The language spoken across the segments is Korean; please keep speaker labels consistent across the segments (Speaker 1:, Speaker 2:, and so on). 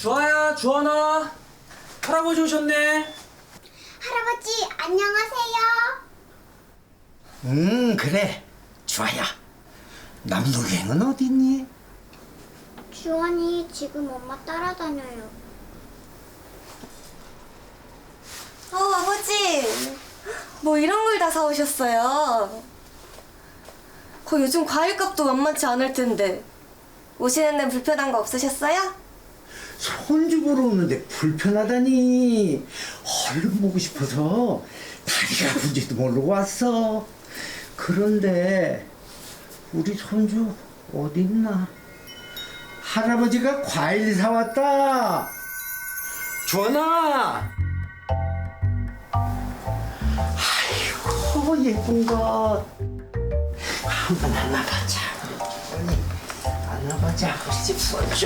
Speaker 1: 주아야, 주원아, 할아버지 오셨네.
Speaker 2: 할아버지, 안녕하세요.
Speaker 3: 그래. 주아야. 남동생은 어딨니?
Speaker 2: 주원이 지금 엄마 따라다녀요.
Speaker 4: 아버지! 뭐 이런 걸 다 사오셨어요. 요즘 과일값도 만만치 않을 텐데 오시는 데 불편한 거 없으셨어요?
Speaker 3: 손주 보러 오는데 불편하다니. 얼른 보고 싶어서 다리가 아픈지도 모르고 왔어. 그런데 우리 손주 어딨나? 할아버지가 과일 사왔다. 주원아. 아이고 예쁜 것. 한번 안아보자. 우리 안아보자. 우리 집 손주.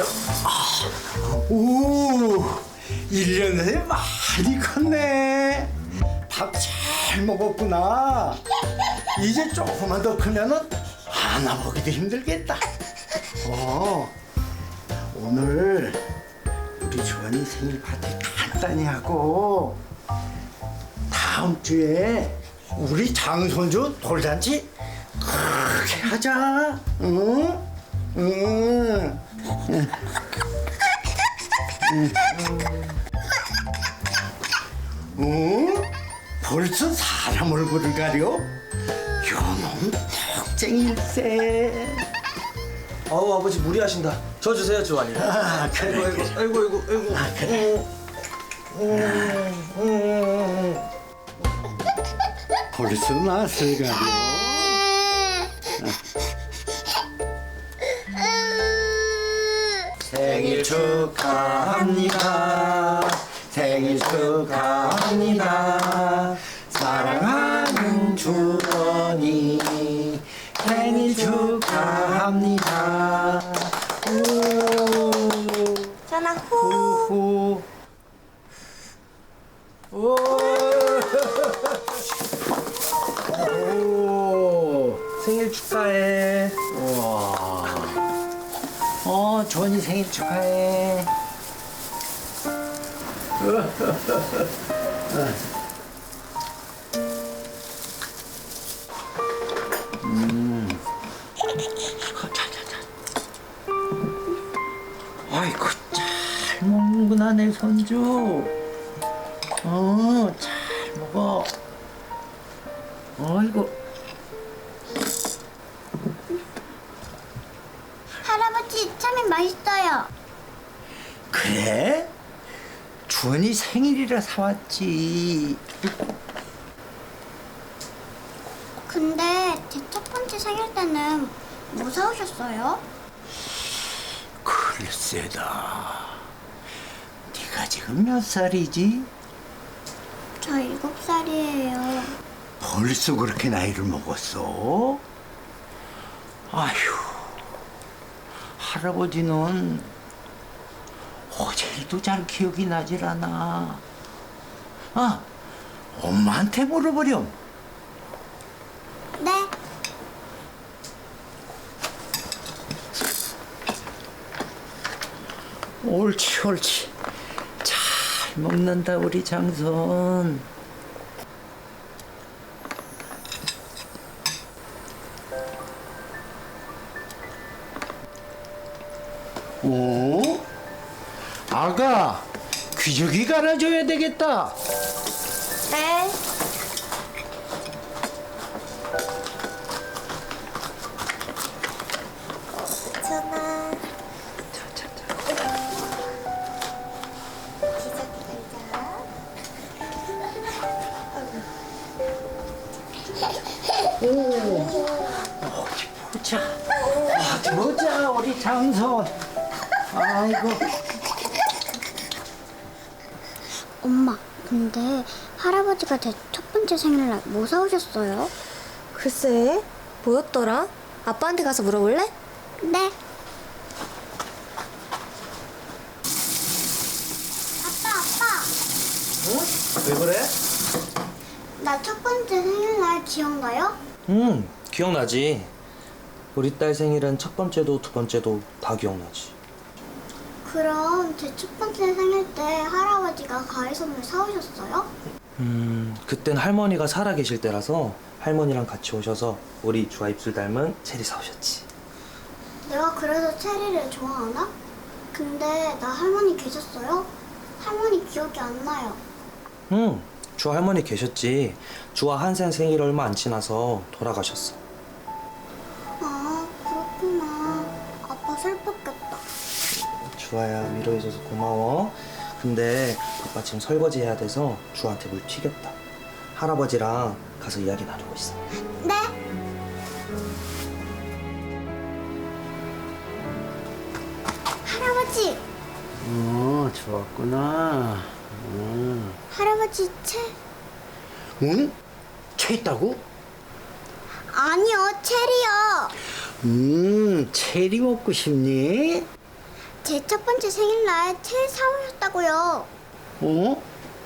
Speaker 3: 오, 1년 내에 많이 컸네. 밥 잘 먹었구나. 이제 조금만 더 크면은 안아보기도 힘들겠다. 오늘 우리 주원이 생일 파티 간단히 하고 다음 주에 우리 장손주 돌잔치 크게 하자. 응? 응. 벌써 사람 얼굴을 가려? 요놈 턱쟁일세.
Speaker 1: 어우, 아버지 무리하신다. 저 주세요, 주원이.
Speaker 3: 아, 그래,
Speaker 1: 아이고,
Speaker 3: 그래.
Speaker 1: 아이고, 아이고, 아이고.
Speaker 3: 아, 그래. 벌써 낯을 가려? 생일 축하합니다. 생일 축하합니다. 사랑하는 주원이 생일 축하합니다.
Speaker 4: 전화 후.
Speaker 3: 후. 오.
Speaker 1: 생일 축하해.
Speaker 3: 우와. 주원이 생일 축하해. 아이고, 잘 먹는구나, 내 손주. 잘 먹어. 아이고.
Speaker 2: 할아버지, 참이 맛있어요.
Speaker 3: 그래? 주원이 생일이라 사왔지.
Speaker 2: 근데 제 첫 번째 생일 때는 뭐 사오셨어요?
Speaker 3: 글쎄다. 네가 지금 몇 살이지?
Speaker 2: 저 7살이에요.
Speaker 3: 벌써 그렇게 나이를 먹었어? 아휴, 할아버지는 어제 일도 잘 기억이 나질 않아. 엄마한테 물어보렴.
Speaker 2: 네.
Speaker 3: 옳지, 옳지. 잘 먹는다, 우리 장손. 오? 아가, 귀저귀 갈아줘야 되겠다.
Speaker 4: 네. 전화.
Speaker 3: 어디 보자. 어디 보자, 우리 장손. 아이고.
Speaker 2: 엄마, 근데 할아버지가 제 첫 번째 생일날 뭐 사오셨어요?
Speaker 4: 글쎄, 뭐였더라? 아빠한테 가서 물어볼래?
Speaker 2: 네. 아빠.
Speaker 1: 왜 그래?
Speaker 2: 나 첫 번째 생일날 기억나요?
Speaker 1: 기억나지. 우리 딸 생일은 첫 번째도 두 번째도 다 기억나지.
Speaker 2: 그럼 제 첫 번째 생일 때 할아버지가 과일 선물 사오셨어요?
Speaker 1: 그땐 할머니가 살아계실 때라서 할머니랑 같이 오셔서 우리 주아 입술 닮은 체리 사오셨지.
Speaker 2: 내가 그래서 체리를 좋아하나? 근데 나 할머니 계셨어요? 할머니 기억이 안 나요.
Speaker 1: 주아 할머니 계셨지. 주아 한생 생일 얼마 안 지나서 돌아가셨어.
Speaker 2: 아, 그렇구나. 아빠 슬펐겠다.
Speaker 1: 주아야, 위로해줘서 고마워. 근데 아빠 지금 설거지 해야 돼서 주아한테 물 튀겼다. 할아버지랑 가서 이야기 나누고 있어.
Speaker 2: 네? 할아버지!
Speaker 3: 좋았구나.
Speaker 2: 할아버지 채?
Speaker 3: 응? 채 있다고?
Speaker 2: 아니요, 체리요.
Speaker 3: 체리 먹고 싶니?
Speaker 2: 제 첫 번째 생일날 체리 사오셨다고요.
Speaker 3: 어?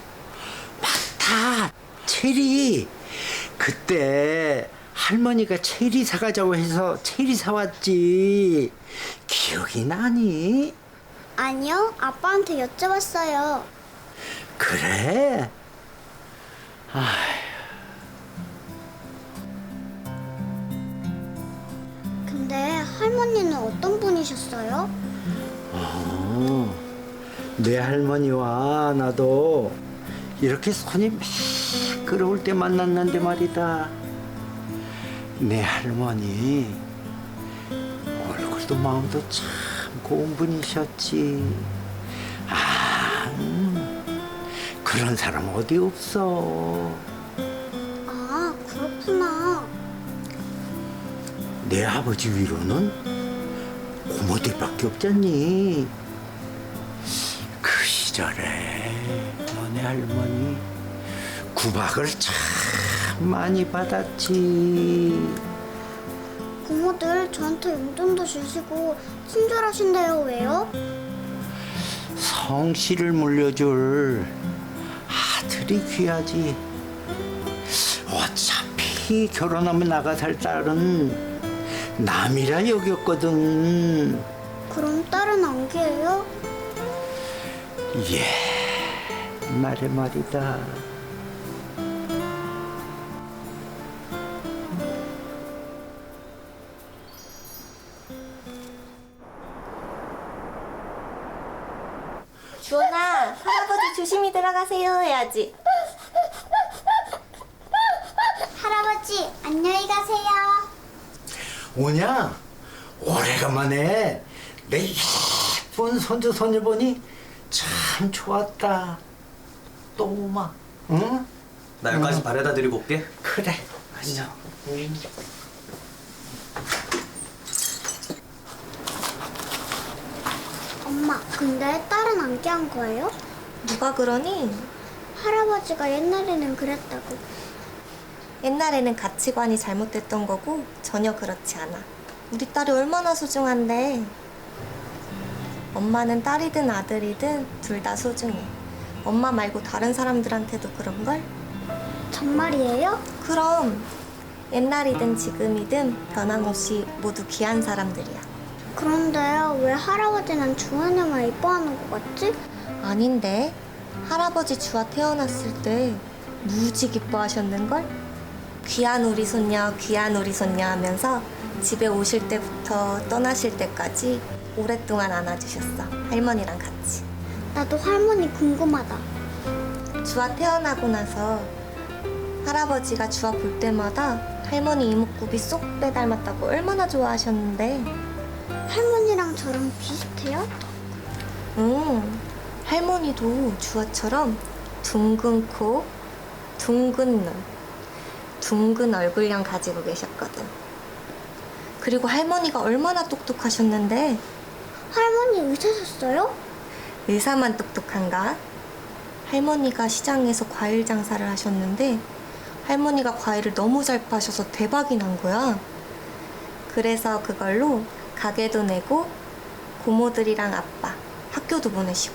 Speaker 3: 맞다. 체리. 그때 할머니가 체리 사가자고 해서 체리 사왔지. 기억이 나니?
Speaker 2: 아니요, 아빠한테 여쭤봤어요.
Speaker 3: 그래?
Speaker 2: 근데 할머니는 어떤 분이셨어요?
Speaker 3: 내 할머니와 나도 이렇게 손이 막 끓어올 때 만났는데 말이다. 내 할머니 얼굴도 마음도 참 고운 분이셨지. 그런 사람 어디 없어.
Speaker 2: 아, 그렇구나.
Speaker 3: 내 아버지 위로는 고모들밖에 없잖니. 그 시절에 너네 할머니 구박을 참 많이 받았지.
Speaker 2: 고모들 저한테 용돈도 주시고 친절하신데요, 왜요?
Speaker 3: 성씨를 물려줄 아들이 귀하지. 어차피 결혼하면 나가 살 딸은 남이라 여겼거든.
Speaker 2: 그럼 딸은 안 귀해요?
Speaker 3: 옛날에 말이다.
Speaker 4: 주원아, 할아버지 조심히 들어가세요 해야지.
Speaker 2: 할아버지, 안녕히 가세요.
Speaker 3: 오냐? 오래간만에 내 예쁜 손주 손녀 보니 참 좋았다. 또 오마. 응?
Speaker 1: 나 여기까지 바래다 드리고 올게.
Speaker 3: 그래.
Speaker 1: 가시죠.
Speaker 2: 엄마, 근데 딸은 안 귀한 거예요?
Speaker 4: 누가 그러니?
Speaker 2: 할아버지가 옛날에는 그랬다고.
Speaker 4: 옛날에는 가치관이 잘못됐던 거고 전혀 그렇지 않아. 우리 딸이 얼마나 소중한데. 엄마는 딸이든 아들이든 둘 다 소중해. 엄마 말고 다른 사람들한테도 그런걸?
Speaker 2: 정말이에요?
Speaker 4: 그럼 옛날이든 지금이든 변함없이 모두 귀한 사람들이야.
Speaker 2: 그런데 왜 할아버지는 주원이만 이뻐하는 것 같지?
Speaker 4: 아닌데 할아버지 주아 태어났을 때 무지 기뻐하셨는걸? 귀한 우리 손녀 귀한 우리 손녀 하면서 집에 오실 때부터 떠나실 때까지 오랫동안 안아주셨어. 할머니랑 같이.
Speaker 2: 나도 할머니 궁금하다.
Speaker 4: 주아 태어나고 나서 할아버지가 주아 볼 때마다 할머니 이목구비 쏙 빼닮았다고 얼마나 좋아하셨는데.
Speaker 2: 할머니랑 저랑 비슷해요?
Speaker 4: 할머니도 주아처럼 둥근 코, 둥근 눈, 둥근 얼굴형 가지고 계셨거든. 그리고 할머니가 얼마나 똑똑하셨는데.
Speaker 2: 할머니 의사셨어요?
Speaker 4: 의사만 똑똑한가? 할머니가 시장에서 과일 장사를 하셨는데 할머니가 과일을 너무 잘 파셔서 대박이 난 거야. 그래서 그걸로 가게도 내고 고모들이랑 아빠 학교도 보내시고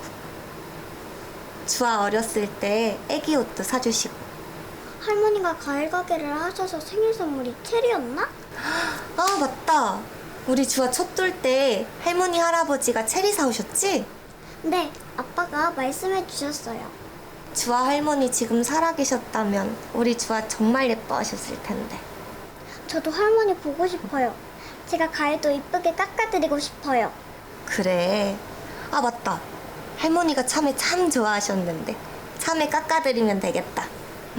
Speaker 4: 주아 어렸을 때 애기 옷도 사주시고.
Speaker 2: 할머니가 과일 가게를 하셔서 생일 선물이 체리였나?
Speaker 4: 아 맞다. 우리 주아 첫 돌 때 할머니 할아버지가 체리 사오셨지?
Speaker 2: 네, 아빠가 말씀해 주셨어요.
Speaker 4: 주아 할머니 지금 살아계셨다면 우리 주아 정말 예뻐하셨을 텐데.
Speaker 2: 저도 할머니 보고 싶어요. 제가 가위도 이쁘게 깎아드리고 싶어요.
Speaker 4: 그래. 아, 맞다. 할머니가 참외 참 좋아하셨는데 참외 깎아드리면 되겠다.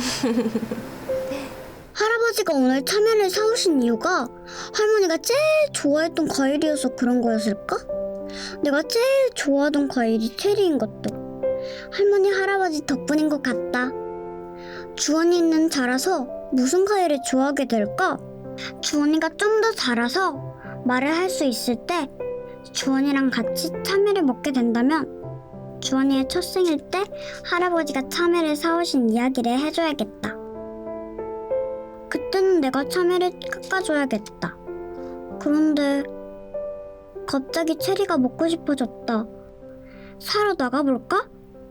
Speaker 2: 할아버지가 오늘 참외를 사오신 이유가 할머니가 제일 좋아했던 과일이어서 그런 거였을까? 내가 제일 좋아하던 과일이 체리인 것도 할머니 할아버지 덕분인 것 같다. 주원이는 자라서 무슨 과일을 좋아하게 될까? 주원이가 좀 더 자라서 말을 할 수 있을 때 주원이랑 같이 참외를 먹게 된다면 주원이의 첫 생일 때 할아버지가 참외를 사오신 이야기를 해줘야겠다. 그때는 내가 참외를 깎아줘야겠다. 그런데 갑자기 체리가 먹고 싶어졌다. 사러 나가볼까?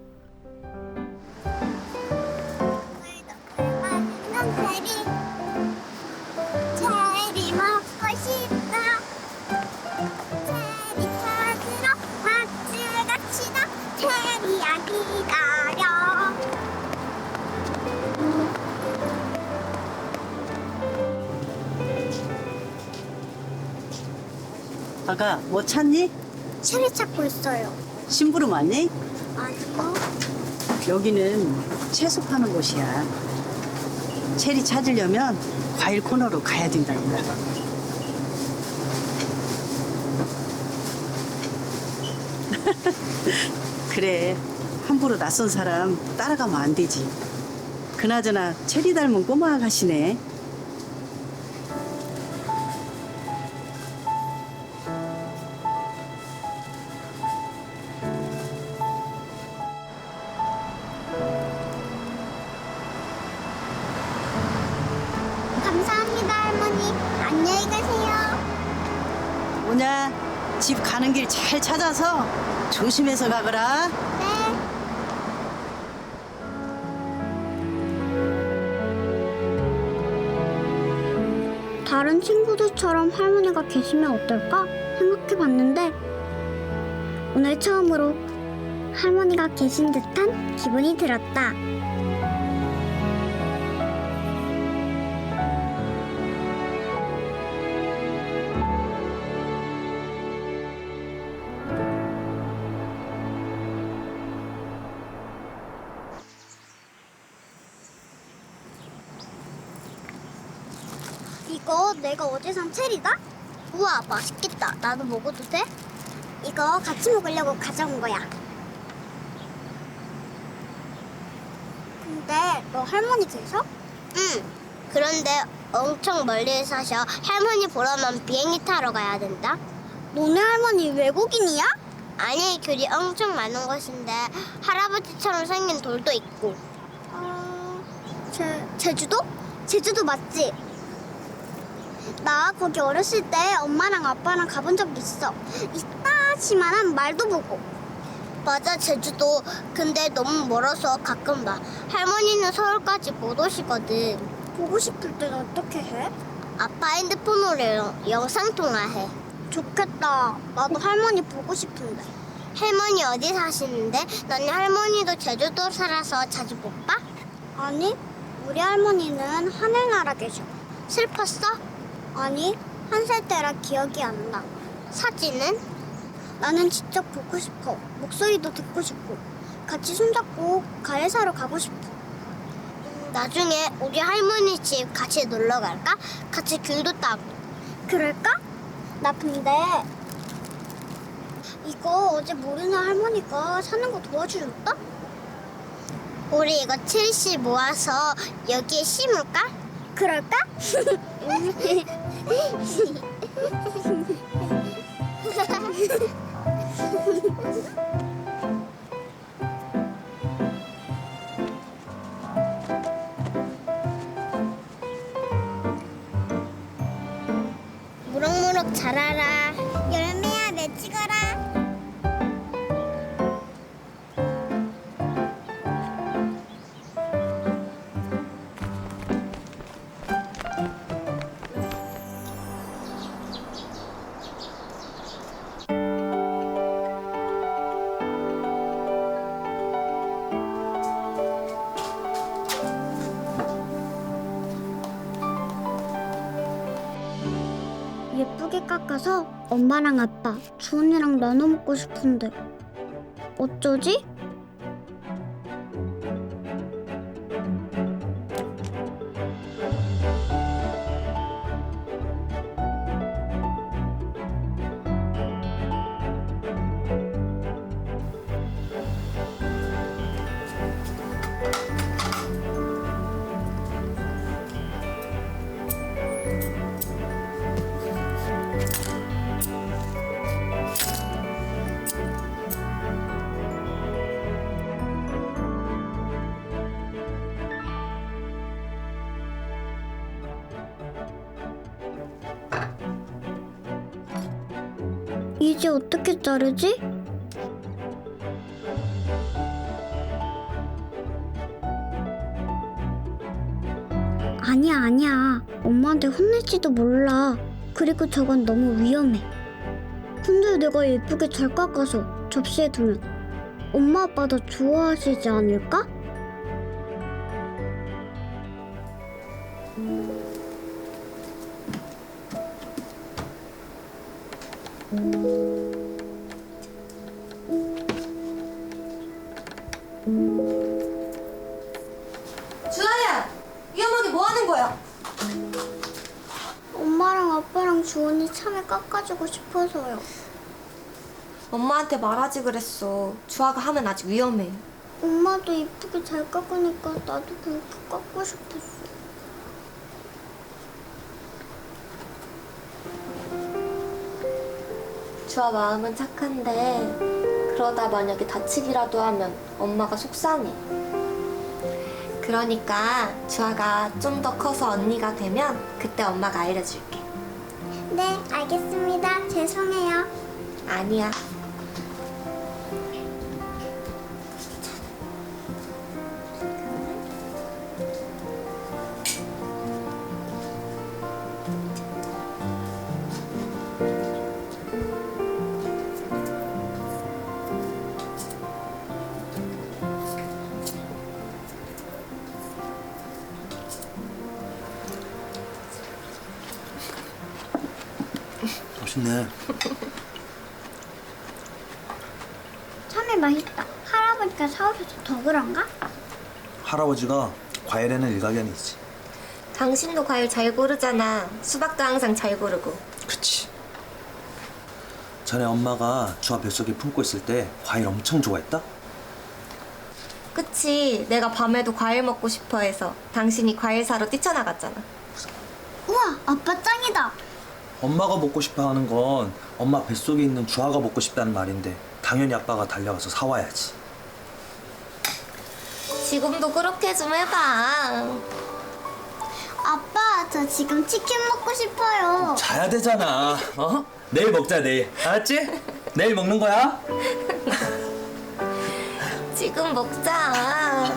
Speaker 2: 체리 먹고 싶다. 체리 찾으러 마트 갑시다. 체리야 기다려.
Speaker 5: 아가, 뭐 찾니?
Speaker 2: 체리 찾고 있어요.
Speaker 5: 심부름 왔니?
Speaker 2: 아니요.
Speaker 5: 여기는 채소 파는 곳이야. 체리 찾으려면 과일 코너로 가야 된다고. 그래, 함부로 낯선 사람 따라가면 안 되지. 그나저나 체리 닮은 꼬마 아가씨네.
Speaker 2: 감사합니다, 할머니. 안녕히 가세요.
Speaker 5: 뭐냐, 집 가는 길 잘 찾아서 조심해서 가거라.
Speaker 2: 네. 다른 친구들처럼 할머니가 계시면 어떨까 생각해 봤는데 오늘 처음으로 할머니가 계신 듯한 기분이 들었다. 이거 내가 어제 산 체리다? 우와, 맛있겠다. 나도 먹어도 돼? 이거 같이 먹으려고 가져온 거야. 근데 너 할머니 계셔?
Speaker 6: 응. 그런데 엄청 멀리 사셔. 할머니 보러면 비행기 타러 가야 된다.
Speaker 2: 너네 할머니 외국인이야?
Speaker 6: 아니, 귤이 엄청 많은 곳인데 할아버지처럼 생긴 돌도 있고.
Speaker 2: 제주도? 제주도 맞지? 나 거기 어렸을 때 엄마랑 아빠랑 가본 적 있어. 이따시만한 말도 보고.
Speaker 6: 맞아, 제주도. 근데 너무 멀어서 가끔 봐. 할머니는 서울까지 못 오시거든.
Speaker 2: 보고 싶을 땐 어떻게 해?
Speaker 6: 아빠 핸드폰으로 영상통화해.
Speaker 2: 좋겠다. 나도 할머니 보고 싶은데.
Speaker 6: 할머니 어디 사시는데? 너네 할머니도 제주도 살아서 자주 못 봐?
Speaker 2: 아니, 우리 할머니는 하늘나라 계셔.
Speaker 6: 슬펐어?
Speaker 2: 아니, 한 살 때라 기억이 안 나.
Speaker 6: 사진은?
Speaker 2: 나는 직접 보고 싶어. 목소리도 듣고 싶고. 같이 손잡고 과일 사러 가고 싶어.
Speaker 6: 나중에 우리 할머니 집 같이 놀러 갈까? 같이 귤도 따고.
Speaker 2: 그럴까? 나 근데 이거 어제 모르는 할머니가 사는 거 도와주셨다?
Speaker 6: 우리 이거 7시 모아서 여기에 심을까?
Speaker 2: 그럴까?
Speaker 6: 무럭무럭 자라라.
Speaker 2: 열매야 맺히거라. 깎아서 엄마랑 아빠, 주원이랑 나눠 먹고 싶은데 어쩌지? 이제 어떻게 자르지? 아니야. 엄마한테 혼낼지도 몰라. 그리고 저건 너무 위험해. 근데 내가 예쁘게 잘 깎아서 접시에 두면 엄마 아빠 더 좋아하시지 않을까?
Speaker 4: 주아야! 위험하게 뭐 하는 거야?
Speaker 2: 엄마랑 아빠랑 주원이 참외 깎아주고 싶어서요.
Speaker 4: 엄마한테 말하지 그랬어. 주아가 하면 아직 위험해.
Speaker 2: 엄마도 예쁘게 잘 깎으니까 나도 그렇게 깎고 싶었어.
Speaker 4: 주아 마음은 착한데 그러다 만약에 다치기라도 하면 엄마가 속상해. 그러니까 주아가 좀 더 커서 언니가 되면 그때 엄마가 알려줄게.
Speaker 2: 네, 알겠습니다. 죄송해요.
Speaker 4: 아니야.
Speaker 1: 맛있네.
Speaker 2: 참외 맛있다. 할아버지가 사오셔서 더 그런가?
Speaker 1: 할아버지가 과일에는 일가견이지.
Speaker 4: 당신도 과일 잘 고르잖아. 수박도 항상 잘 고르고.
Speaker 1: 그치. 전에 엄마가 주아 뱃속에 품고 있을 때 과일 엄청 좋아했다?
Speaker 4: 그치. 내가 밤에도 과일 먹고 싶어 해서 당신이 과일 사러 뛰쳐나갔잖아.
Speaker 2: 우와, 아빠 짱이다.
Speaker 1: 엄마가 먹고 싶어 하는 건 엄마 뱃속에 있는 주아가 먹고 싶다는 말인데 당연히 아빠가 달려가서 사와야지.
Speaker 4: 지금도 그렇게 좀 해봐.
Speaker 2: 아빠, 저 지금 치킨 먹고 싶어요.
Speaker 1: 자야 되잖아. 어? 내일 먹자, 내일. 알았지? 내일 먹는 거야?
Speaker 4: 지금 먹자.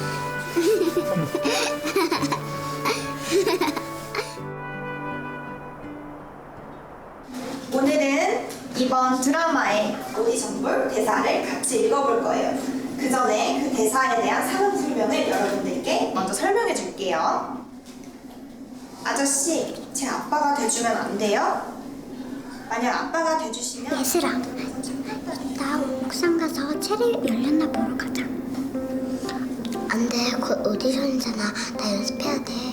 Speaker 7: 오늘은 이번 드라마의 오디션볼 대사를 같이 읽어볼 거예요. 그 전에 그 대사에 대한 상황 설명을 여러분들께 먼저 설명해 줄게요. 아저씨, 제 아빠가 돼주면 안 돼요? 만약 아빠가 돼주시면
Speaker 2: 예슬아, 나 옥상 가서 체리 열렸나 보러 가자. 안 돼, 곧 오디션이잖아. 나 연습해야 돼.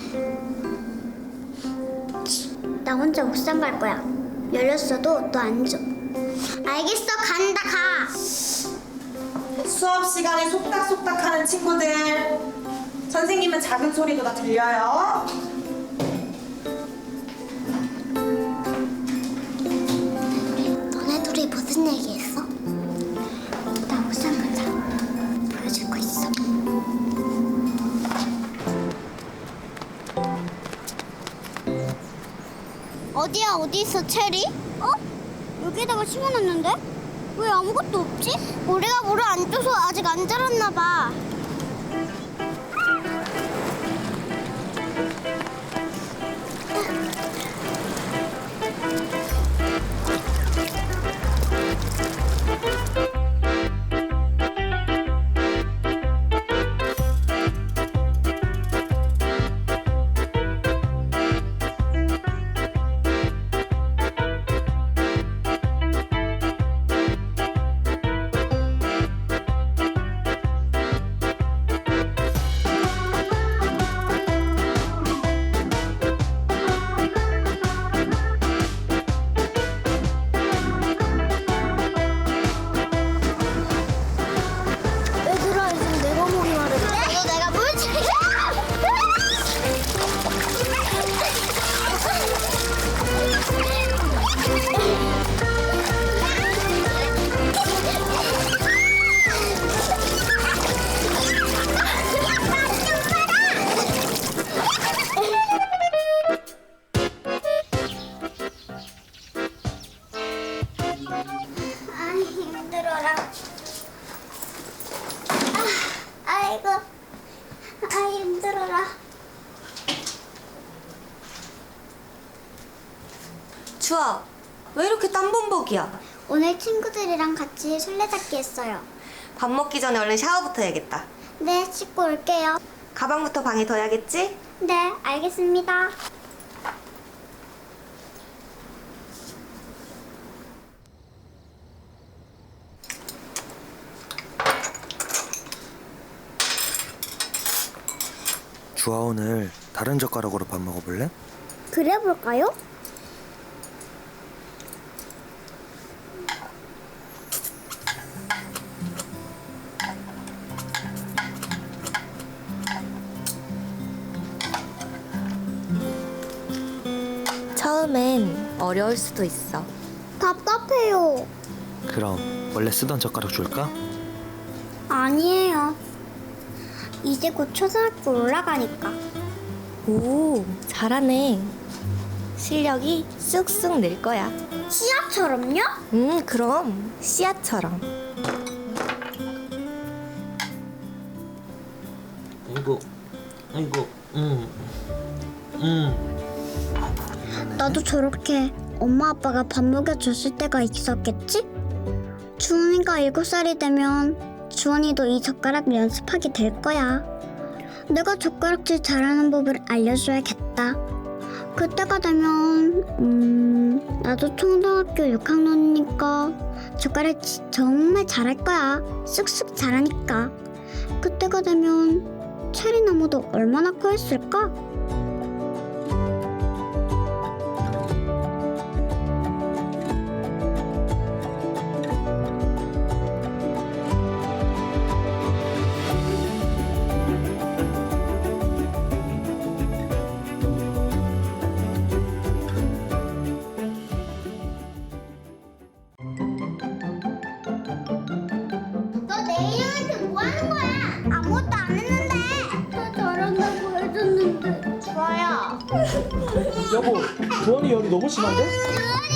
Speaker 2: 나 혼자 옥상 갈 거야. 열렸어도 너 안 줘. 알겠어, 간다, 가.
Speaker 7: 수업 시간에 속닥속닥하는 친구들, 선생님은 작은 소리도 다 들려요.
Speaker 2: 너네 둘이 무슨 얘기했어? 나 옥상 가자. 보여줄 거 있어. 어디야, 어디 있어, 체리? 어? 여기다가 심어놨는데? 왜 아무것도 없지? 우리가 물을 안 줘서 아직 안 자랐나 봐.
Speaker 4: 신곡이야.
Speaker 2: 오늘 친구들이랑 같이 술래잡기 했어요.
Speaker 4: 밥 먹기 전에 얼른 샤워부터 해야겠다.
Speaker 2: 네, 씻고 올게요.
Speaker 4: 가방부터 방에 둬야겠지?
Speaker 2: 네, 알겠습니다.
Speaker 1: 주아 오늘 다른 젓가락으로 밥 먹어볼래?
Speaker 2: 그래 볼까요?
Speaker 4: 처음엔 어려울 수도 있어.
Speaker 2: 답답해요.
Speaker 1: 그럼 원래 쓰던 젓가락 줄까?
Speaker 2: 아니에요. 이제 곧 초등학교 올라가니까.
Speaker 4: 오, 잘하네. 실력이 쑥쑥 늘 거야.
Speaker 2: 씨앗처럼요?
Speaker 4: 그럼 씨앗처럼.
Speaker 1: 이거,
Speaker 2: 나도 저렇게 엄마 아빠가 밥 먹여줬을 때가 있었겠지? 주원이가 7살이 되면 주원이도 이 젓가락 연습하게 될 거야. 내가 젓가락질 잘하는 법을 알려줘야겠다. 그때가 되면 나도 초등학교 6학년이니까 젓가락질 정말 잘할 거야. 쑥쑥 잘하니까. 그때가 되면 체리나무도 얼마나 커있을까?
Speaker 6: 너 내일한테 뭐 하는 거야? 아무것도 안 했는데. 더 잘한다고 해줬는데. 주아야.
Speaker 1: 여보, 주원이 열이 너무 심한데?
Speaker 6: 주원이